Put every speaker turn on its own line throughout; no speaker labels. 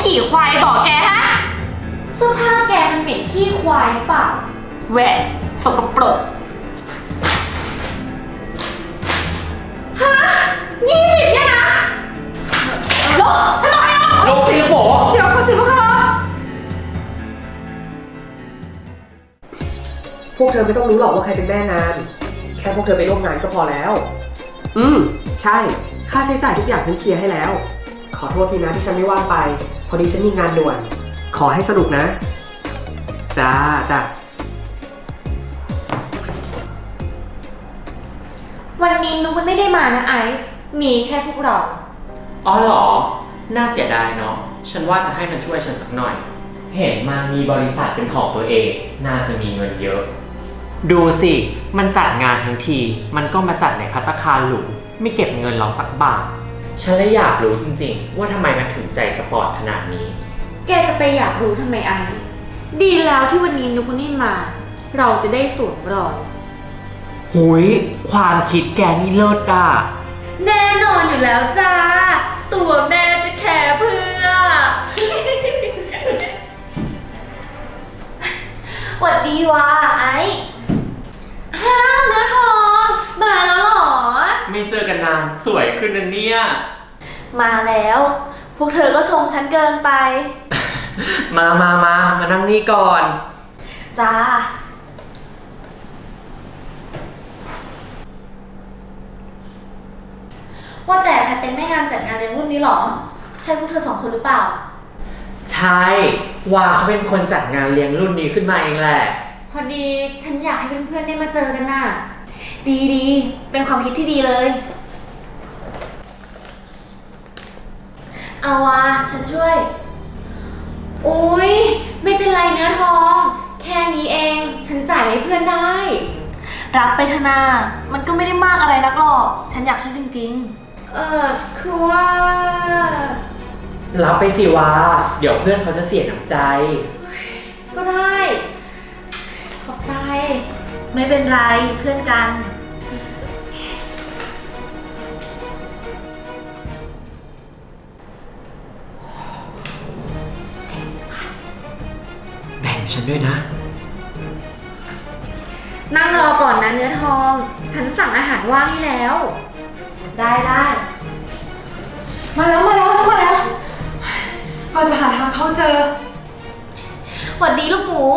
ขี่ควายบอกแกฮะ
เสื้อผ้าแกมันเหม็นขี้ควายหรือเปล่า
แหวะสกปรก
ฮะ20เนี่ยนะลบฉันบอกให้ลบ
สิลูกหมู
เดี๋ยวก่อนสิพวกเธอ
พวกเธอไม่ต้องรู้หรอกว่าใครเป็นแม่งานแค่พวกเธอไปร่วมงานก็พอแล้วใช่ค่าใช้จ่ายทุกอย่างฉันเคลียร์ให้แล้วขอโทษทีนะที่ฉันไม่ว่างไปพอดีฉันมีงานด่วนขอให้สนุกนะจ้า
วันนี้นุ๊กมันไม่ได้มานะไอซ์มีแค่พวกเรา
อ๋อเหรอน่าเสียดายเนาะฉันว่าจะให้มันช่วยฉันสักหน่อยเห็นมามีบริษัทเป็นของตัวเองน่าจะมีเงินเยอะดูสิมันจัดงานทั้งทีมันก็มาจัดในภัตตาคารหรูไม่เก็บเงินเราสักบาทฉันเลยอยากรู้จริงๆว่าทำไมมันถึงใจสปอร์ตขนาดนี้
แกจะไปอยากรู้ทำไมไอซ์ดีแล้วที่วันนี้นุ๊กนี่มาเราจะได้สวมรอย
หุยความคิดแกนี่เลิศอ่ะ
แน่นอนอยู่แล้วจ้าตัวแม่จะแคร์เพื่อหวัดดีว่ะไอ้อ้าวเนื้อทองมาแล้วเหรอ
ไม่เจอกันนานสวยขึ้นนะเนี่ย
มาแล้วพวกเธอก็ชมฉันเกินไป
มานั่งนี่ก่อน
จ้าว่าแต่ใครเป็นแม่งานจัดงานเลี้ยงรุ่นนี้หรอใช่พวกเธอ2 คนหรือเปล่า
ใช่ว่าเขาเป็นคนจัดงานเลี้ยงรุ่นนี้ขึ้นมาเองแหละ
พอดีฉันอยากให้เพื่อนๆได้มาเจอกันน่ะดีเป็นความคิดที่ดีเลยเอาวะฉันช่วยอุ๊ยไม่เป็นไรเนื้อทองแค่นี้เองฉันจ่ายให้เพื่อนได้รับไปธนามันก็ไม่ได้มากอะไรนักหรอกฉันอยากช่วยจริงๆคือว่า
รับไปสิวะเดี๋ยวเพื่อนเขาจะเสียน้ำใจ
ก็ได้ขอบใจไม่เป็นไรเพื่อนกัน
แบ่งฉันด้วยนะ
นั่งรอก่อนนะเนื้อทองฉันสั่งอาหารว่างให้แล้วได้
มาแล้วเราจะหาทางเข้าเจอ
หวัดดีลูกหมู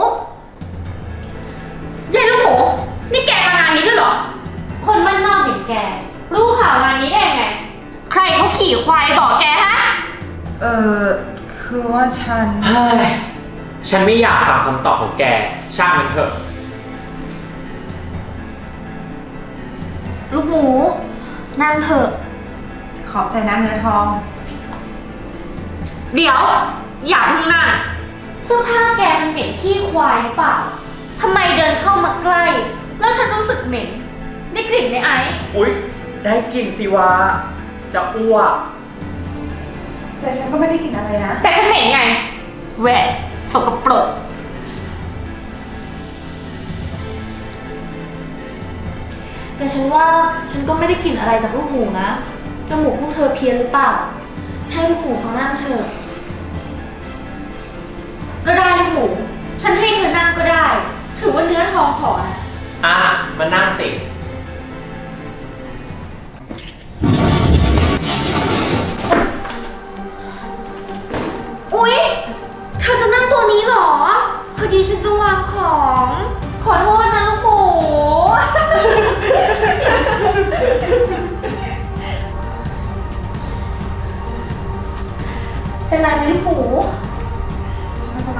ยายลูกหมูนี่แกมางานนี้ด้วยเหรอคนบ้านนอกอย่างแกรู้ข่าวงานนี้ได้ยังไงใครเขาขี่ควายบอกแกฮะ
คือว่า
ฉันไม่อยากฟังคำตอบของแกช่างมันเถอะ
ลูกหมูนั่งเถอะ
ขอบใจนะเนื้อทอง
เดี๋ยวอย่าเพิ่งนั่งเสื้อผ้าแกมันเหม็นขี้ควายหรือเปล่าทำไมเดินเข้ามาใกล้แล้วฉันรู้สึกเหม็นได้กลิ่นไหมไอซ์
อุ๊ยได้กลิ่นสิวะจะอ้วก
แต่ฉันก็ไม่ได้กลิ่นอะไรนะ
แต่ฉันเหม็นไงแหวะสกปรกแต่ฉันว่าฉันก็ไม่ได้กลิ่นอะไรจากลูกหมูนะจมูกพวกเธอเพี้ยนหรือเปล่าให้ลูกหมูเขานั่งเถอะก็ได้ลูกหมูฉันให้เธอนั่งก็ได้ถือว่าเนื้อทองขอนะ
มานั่งสิ
อุ๊ยเธอจะนั่งตัวนี้เหรอพอดีฉันจะวางของขอโทษนะลูกหมูเป็นไรไหมลูกหมู
ไม่เป็นไร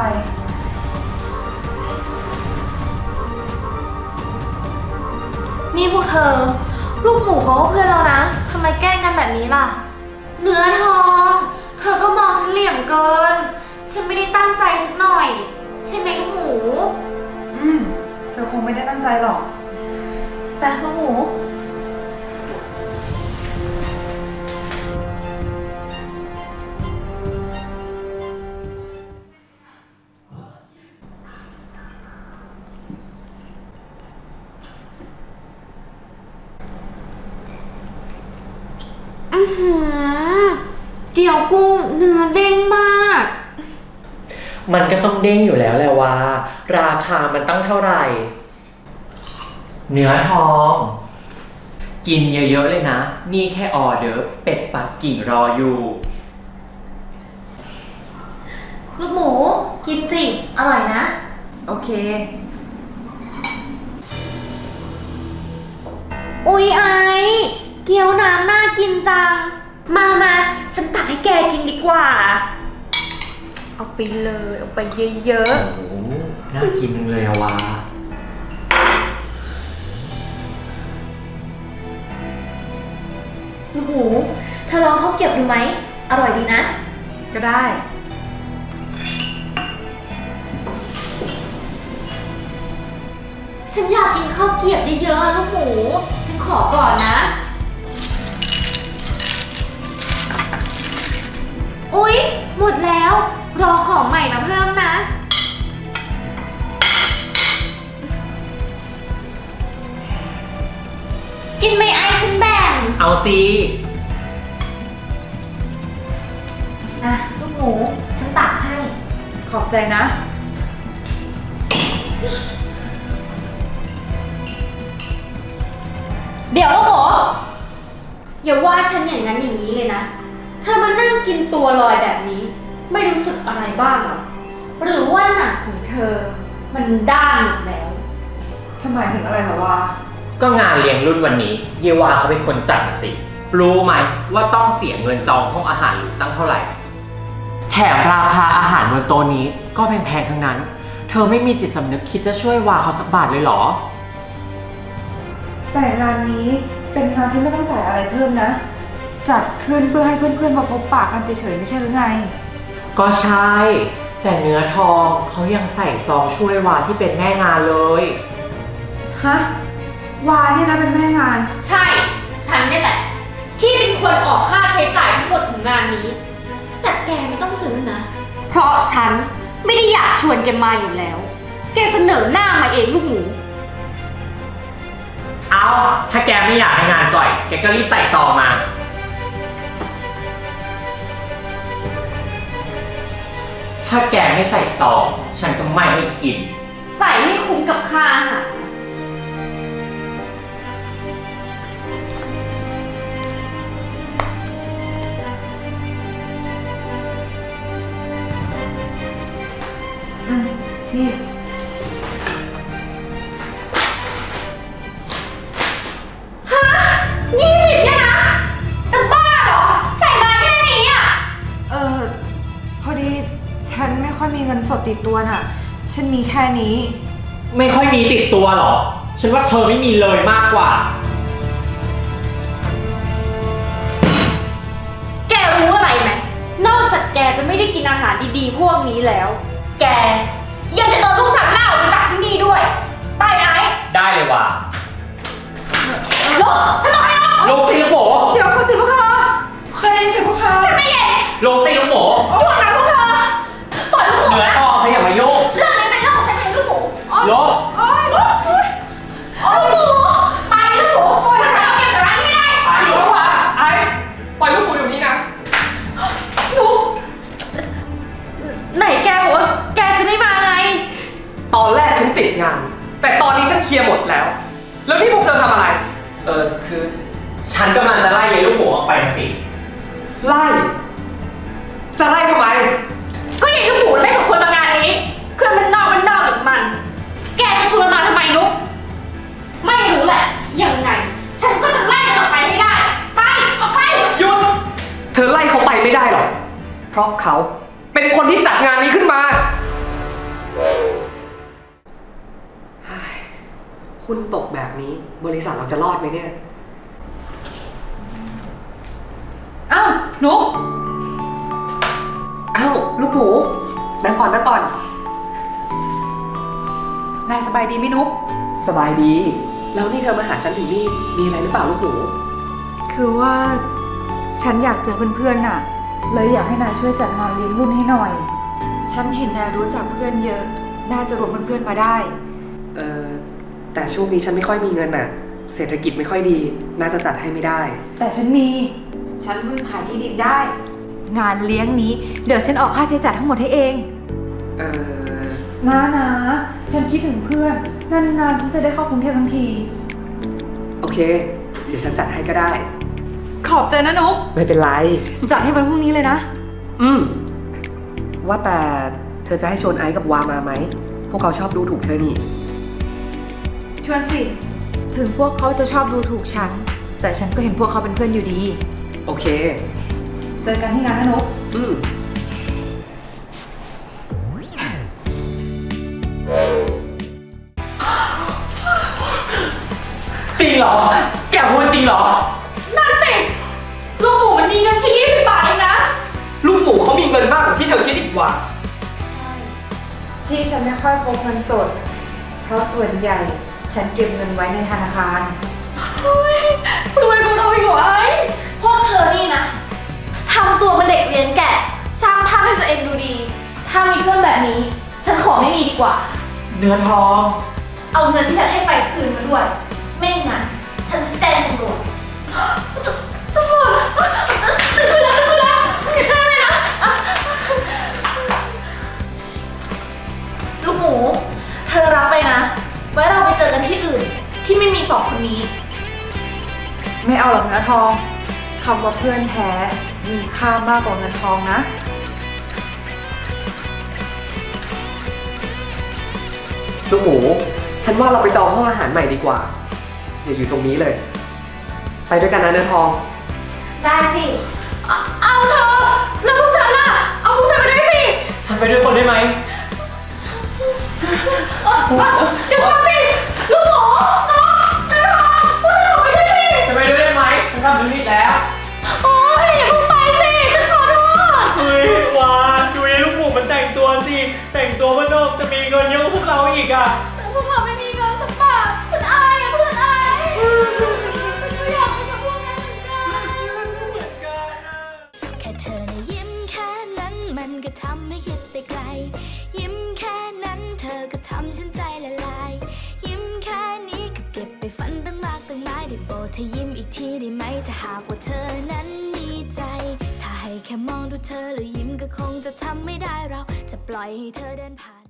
นี่พวกเธอลูกหมูเขาก็เพื่อนเรานะทำไมแกล้งกันแบบนี้ล่ะเนื้อทองเธอก็มองฉันเหลี่ยมเกินฉันไม่ได้ตั้งใจสักหน่อยใช่ไหมลูกหมู
เธอคงไม่ได้ตั้งใจหรอก
ไปลูกหมูเกี๊ยวกุ้งเนื้อเด้งมาก
มันก็ต้องเด้งอยู่แล้วแหละว่า ราคามันตั้งเท่าไหร่ เนื้อทอง กินเยอะๆเลยนะ นี่แค่ออเดอร์เป็ดปักกิ่งรออยู่
ลูกหมูกินสิ อร่อยนะ
โอเค
อุ๊ยไอเกี๊ยวน้ำน่ากินจัง มาฉันตักให้แกกินดีกว่า เอาไปเลย เอาไปเยอะ
โอ้โหน่ากินจังเลยอะวา
ๆ ลูกหมูเธอลองข้าวเกรี๊ยวดูไหม อร่อยดีนะ
ก็ได้
ฉันอยากกินข้าวเกรี๊ยวเยอะๆลูกหมู ฉันขอก่อนนะ อุ๊ย หมดแล้ว รอของใหม่มาเพิ่มนะ กินไหมไอฉันแบ่ง
เอาสิ
นะลูกหมู ฉันตักให้
ขอบใจนะ
เดี๋ยวลูกหมูอย่าว่าฉันอย่างนั้นอย่างนี้เลยนะ เธอมานั่งกินตัวลอยแบบนี้ ไม่รู้สึกอะไรบ้างหรอ หรือว่าหนังของเธอ มันด้านหมดแล้ว
ทำไมถึงอะไรเหรอวะ
ก็งานเลี้ยงรุ่นวันนี้ เยวาเขาเป็นคนจัดน่ะสิ รู้ไหมว่าต้องเสียเงินจองห้องอาหารหรูตั้งเท่าไหร่ แถมราคาอาหารบนโต๊ะนี้ก็แพงๆทั้งนั้น เธอไม่มีจิตสำนึกคิดจะช่วยวาเขาสักบาทเลยเหรอ
แต่งานนี้เป็นงานที่ไม่ต้องจ่ายอะไรเพิ่มนะ จัดขึ้นเพื่อให้เพื่อนๆมาพบปะกันเฉยๆไม่ใช่หรือไง
ก็ใช่ แต่เนื้อทองเขายังใส่ซองช่วยวาที่เป็นแม่งานเลย
ฮะ วาเนี่ยนะเป็นแม่งาน
ใช่ ฉันนี่แหละ ที่เป็นคนออกค่าใช้จ่ายทั้งหมดของงานนี้ แต่แกไม่ต้องซื้อนะ เพราะฉันไม่ได้อยากชวนแกมาอยู่แล้ว แกเสนอหน้ามาเองลูกหมู
เอาถ้าแกไม่อยากให้งานก่อย แกก็รีบใส่ซองมา ถ้าแกไม่ใส่ซอง ฉันก็ไม่ให้กิน
ใส่ให้คุ้มกับค่าอาหาร
นี่
20เนี่ยนะ จะบ้าเหรอ ใส่มาแค่นี้อ่ะ
พอดีฉันไม่ค่อยมีเงินสดติดตัวน่ะ ฉันมีแค่นี้
ไม่ค่อยมีติดตัวหรอ ฉันว่าเธอไม่มีเลยมากกว่า
แกรู้อะไรไหม นอกจากแกจะไม่ได้กินอาหารดีๆ พวกนี้แล้ว แกยังจะโดนลูกสาวล่าออกไปจากที่นี่ด้วย ไปไอ้
ได้เลยว่ะ
ลูกฉันบอกให้ลูก
ลงสิลูกหมู
เดี๋ยวก็สิพวกเธอใจเย็นสิพวกเธอ
ฉันไม่เย็น
ลงสิลูกหมู
หยุดนะพวกเธอ ปล่อยลูกหมู
เหนือ
นะ
ทองเขาอย่ามายุ่ง
เรื่องนี้เป็นเรื่องของฉันเองลูกหมูอ๋อ
ลง
โอ๊ยลูกหมูไปลูกหมูฉันจะเอาเก็บจากร้านนี้ได้
ไป
เดี๋ยววะไอ้ปล่อยลูกหมูเดี๋ยวนี้นะ
ลูกไหนแกบอกว่าแกจะไม่มาไง
ตอนแรกฉันติดงาน แต่ตอนนี้ฉันเคลียร์หมดแล้ว แล้วนี่พวกเธอทำอะไร
คือ ฉันกำลังจะไล่ยายลูกหมูออกไปนะสิ
ไล่ จะไล่ทำไม
ก็ยังลูกหมูมันไม่สมควรมางานนี้คือมันนอกหรือมัน แกจะชวนมาทำไมนุ๊กไม่รู้แหละ ยังไง ฉันก็จะไล่มันออกไปให้ได้ ไปออกไป
หยุด เธอไล่เขาไปไม่ได้หรอก เพราะเขาเป็นคนที่จัดงานนี้ขึ้นมา หุ้นตกแบบนี้บริษัทเราจะรอดไหมเนี่ย
อ้าวนุ๊ก
อ้าวลูกหมูนั่งก่อน
นายสบายดีไหมนุ๊ก
สบายดี แล้วนี่เธอมาหาฉันถึงนี่ มีอะไรหรือเปล่าลูกหมู
คือว่าฉันอยากเจอเพื่อนๆน่ะ เลยอยากให้นายช่วยจัดงานเลี้ยงรุ่นให้หน่อย ฉันเห็นนายรู้จักเพื่อนเยอะ น่าจะรวมเพื่อนๆมาได้
แต่ช่วงนี้ฉันไม่ค่อยมีเงินน่ะ เศรษฐกิจไม่ค่อยดี น่าจะจัดให้ไม่ได้
แต่ฉันมี ฉันเพิ่งขายที่ดินได้ งานเลี้ยงนี้เดี๋ยวฉันออกค่าใช้จ่ายทั้งหมดให้เอง
อเออ
นะฉันคิดถึงเพื่อน นานๆฉันจะได้เข้ากรุงเทพทั้งที
โอเค เดี๋ยวฉันจัดให้ก็ได้
ขอบใจนะนุ๊ก
ไม่เป็นไร
จัดให้วันพรุ่งนี้เลยนะ
ว่าแต่เธอจะให้ชวนไอซ์กับวามาไหม พวกเขาชอบดูถูกเธอนี่
ชวนสิ ถึงพวกเขาจะชอบดูถูกฉัน แต่ฉันก็เห็นพวกเขาเป็นเพื่อนอยู่ดี
โอเค
เจอกันที่งานนะนุ๊ก
จริงเหรอ แกพูดจริงเหรอ
นั่นสิ ลูกหมูมันมีเงินแค่20 บาทเองนะ
ลูกหมูเขามีเงินมากกว่าที่เธอคิดอีกว่า
ที่ฉันไม่ค่อยพกเงินสด เพราะส่วนใหญ่ฉันเก็บเงินไว้ในธนาคาร
รวยกว่าเราอีกเหรอไอ้พวกเธอนี่นะทำตัวเป็นเด็กเลี้ยงแกะ สร้างภาพให้ตัวเองดูดี ถ้ามีเพื่อนแบบนี้ ฉันขอไม่มีดีกว่า
เนื้อทอง
เอาเงินที่ฉันให้ไปคืนมาด้วย ไม่งั้นฉันจะแจ้งตำรวจตำรวจคืนแล้วอย่าแจ้งเลยนะลูกหมู เธอรับไปนะ ไว้เราไปเจอกันที่อื่น ที่ไม่มี2 คนนี้
ไม่เอาหรอกเนื้อทองคำว่าเพื่อนแท้มีค่ามากกว่าเงินทองนะ
ลูกหมู ฉันว่าเราไปจองห้องอาหารใหม่ดีกว่า อย่าอยู่ตรงนี้เลย ไปด้วยกันนะเนื้อทอง
ได้สิ เอาเธอ แล้วพวกฉันล่ะ เอาพวกฉันไปด้วยสิ
ฉันไปด้วยคนได้ไหม
จะว่าสิ ลูกหมูน้องนายทองพวกเราไปด้วยสิ
จะไปด้วยได้ไหมฉันทำธุรกิจแล้ว
โอ๊ยอย่าเพิ่งไปสิ ฉันขอโทษ
เฮ้ยวานดูไอ้ลูกหมูมันแต่งตัวสิ แต่งตัวมันนอกจะมีเงินเยอะกว่าพวกเราอีกอ่ะ
แต่พวกเราไม่มีเงินสักบาท ฉันอายอะเพื่อนอายฉันก็อยากไปกับพวกนั้นเหมือนกัน
แค่เธอนะยิ้มแค่นั้นมันก็ทำให้คิดไปไกล ยิ้มแค่นั้นเธอก็ทำฉันใจละลาย ยิ้มแค่นี้ก็เก็บไปฝันตั้งมากตั้งหลายได้โปรดเธอยิ้มอีกทีได้ไหมถ้าหากว่าเธอนั้นมีใจ ถ้าให้แค่มองดูเธอแล้วยิ้มก็คงจะทำไม่ได้เราจะปล่อยให้เธอเดินผ่าน